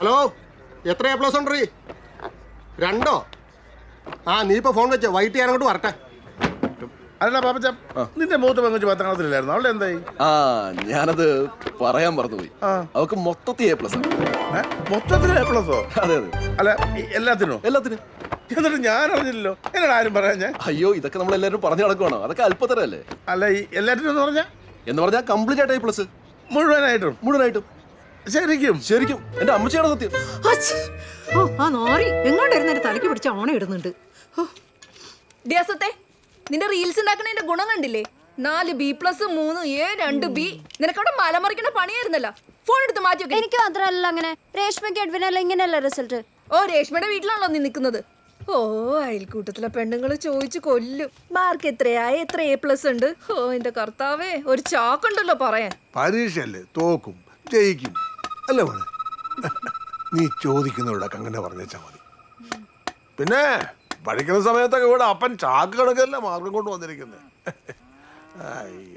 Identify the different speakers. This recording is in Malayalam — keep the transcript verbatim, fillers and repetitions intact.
Speaker 1: ഹലോ, എത്ര എ പ്ലസ് ഉണ്ട്? രണ്ടോ? ആ നീ ഇപ്പൊ ഫോൺ വെച്ചോ, വൈകിട്ട് ഞാൻ അങ്ങോട്ട് വരട്ടെ.
Speaker 2: അല്ല പാപ്പച്ച, നിന്റെ മൂത്ത പെങ്കുച്ച് പത്താം ക്ലാസ്സിലായിരുന്നു, അവളുടെ എന്തായി?
Speaker 3: ആ ഞാനത് പറയാൻ മറന്നുപോയി. അവക്ക് മൊത്തത്തിൽ എ പ്ലസ് ആണ്.
Speaker 2: മൊത്തത്തിൽ എ പ്ലസോ?
Speaker 3: അതെ അതെ.
Speaker 2: അല്ല എല്ലാത്തിനോ?
Speaker 3: എല്ലാത്തിനും.
Speaker 2: എന്നിട്ട് ഞാൻ അറിഞ്ഞില്ലല്ലോ, എന്നോട് ആരും പറയാൻ ഞാൻ.
Speaker 3: അയ്യോ, ഇതൊക്കെ നമ്മൾ എല്ലാവരും പറഞ്ഞു നടക്കുവാണോ? അതൊക്കെ അല്പത്തരല്ലേ.
Speaker 2: അല്ല ഈ എല്ലാത്തിനും എന്ന് പറഞ്ഞാ
Speaker 3: എന്ന് പറഞ്ഞാൽ കംപ്ലീറ്റ് ആയിട്ട് എ പ്ലസ്.
Speaker 2: മുഴുവനായിട്ടും?
Speaker 3: മുഴുവനായിട്ടും.
Speaker 2: ശരിക്കും?
Speaker 3: ശരിക്കും എന്റെ അമ്മച്ചിയാണ് സത്യം.
Speaker 4: ഓ ആ നോറി എങ്ങോട്ടിരുന്നൊരു തലയ്ക്ക് പിടിച്ച ഓണ ഇടുന്നുണ്ട്.
Speaker 5: ഡിയാസത്തെ, നിന്റെ റീൽസ് ഉണ്ടാക്കണതിന്റെ ഗുണം കണ്ടില്ലേ? നാല് ബി പ്ലസ് മൂന്ന് എ രണ്ട് ബി. നിനക്കവിടെ മലമറിക്കണ പണിയായിരുന്നല്ലോ. ഫോൺ എടുത്ത് മാറ്റി വെക്ക്.
Speaker 6: എനിക്ക് മാത്രമല്ല, അങ്ങനെ രേഷ്മയ്ക്ക് എഡ്വിനല്ല ഇങ്ങനെയല്ല റിസൾട്ട്.
Speaker 5: ഓ, രേഷ്മയുടെ വീട്ടിലാണല്ലോ നീ നിൽക്കുന്നത്. ഓ, അയൽക്കൂട്ടത്തിലെ പെണ്ണുങ്ങൾ ചോദിച്ചു കൊല്ലും. മാർക്ക് എത്രയായ എത്ര എ പ്ലസ് ഉണ്ട്? ഓ എന്റെ കർത്താവേ, ഒരു ചാക്കുണ്ടല്ലോ പറയാൻ.
Speaker 7: പരീക്ഷയല്ലേ, തോക്കും ജയിക്കും അല്ലേ മോനെ? നീ ചോദിക്കുന്നവരോടൊക്കെ അങ്ങനെ പറഞ്ഞാ മതി. പിന്നെ പഠിക്കുന്ന സമയത്തൊക്കെ ഇവിടെ അപ്പൻ ചാക്ക് കണക്കല്ല മാർഗം കൊണ്ട് വന്നിരിക്കുന്നത്.